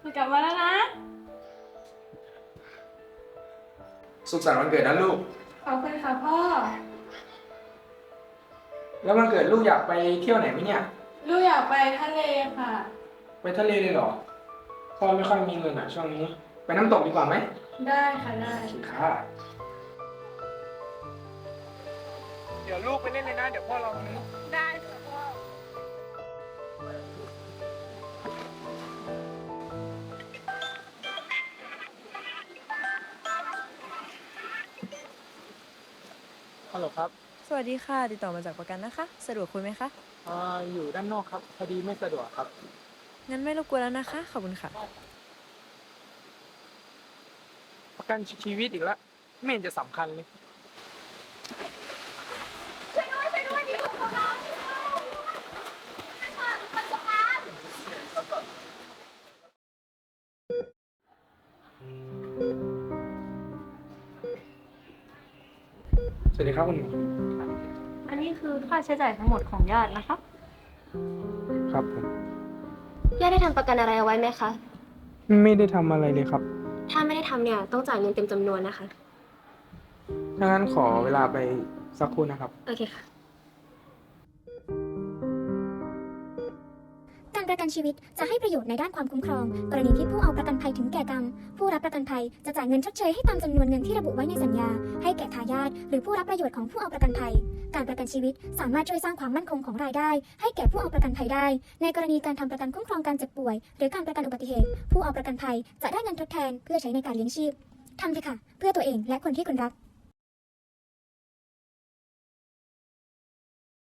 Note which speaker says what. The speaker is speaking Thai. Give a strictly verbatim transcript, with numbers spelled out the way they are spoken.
Speaker 1: กลับมาแล้วนะ
Speaker 2: สุขสันต์วันเกิดนะลูก
Speaker 1: ขอบคุณค่ะพ่อ
Speaker 2: แล้ววันเกิดลูกอยากไปเที่ยวไหนไหมเนี่ย
Speaker 1: ลูกอยากไปทะเลค่ะ
Speaker 2: ไปทะเลเลยเหรอพ่อไม่ค่อยมีเงินอ่ะช่วงนี้ไปน้ำตกดีกว่าไหม
Speaker 1: ได้ค่ะได้
Speaker 2: ค่ะเดี๋ยวลูกไปเล่นเลยนะเดี๋ยวพ่อรอตรงนี้
Speaker 1: ได้ค่ะพ่อ
Speaker 2: ฮัลโหลครับ
Speaker 3: สวัสดีค่ะติดต่อมาจากประกันนะคะสะดวกคุยไหมคะ
Speaker 2: อ่าอยู่ด้านนอกครับพอดีไม่สะดวกครับ
Speaker 3: งั้นไม่รบกวนแล้วนะคะขอบคุณค่ะ
Speaker 2: ประกันชีวิตอีกแล้วไม่เห็นจะสำคัญเลยสวัสดีครับคุณหมอ
Speaker 1: อันนี้คือค่าใช้จ่ายทั้งหมดของญาตินะคะ
Speaker 2: ครับผม
Speaker 4: ญาติได้ทำประกันอะไรเอาไว้ไหมคะ
Speaker 2: ไม่ได้ทำอะไรเลยครับ
Speaker 4: ถ้าไม่ได้ทำเนี่ยต้องจ่ายเงินเต็มจำนวนนะคะ
Speaker 2: ถ้างั้นขอเวลาไปสักครู่นะครับ
Speaker 4: โอเคค่ะ
Speaker 5: การประกันชีวิตจะให้ประโยชน์ในด้านความคุ้มครองกรณีที่ผู้เอาประกันภัยถึงแก่กรรมผู้รับประกันภัยจะจ่ายเงินชดเชยให้ตามจำนวนเงินที่ระบุไว้ในสัญญาให้แก่ทายาทหรือผู้รับประโยชน์ของผู้เอาประกันภัยการประกันชีวิตสามารถช่วยสร้างความมั่นคงของรายได้ให้แก่ผู้เอาประกันภัยได้ในกรณีการทำประกันคุ้มครองการเจ็บป่วยหรือการประกันอุบัติเหตุผู้เอาประกันภัยจะได้เงินทดแทนเพื่อใช้ในการเลี้ยงชีพทำเถอะค่ะเพื่อตัวเองและคนที่คุณรัก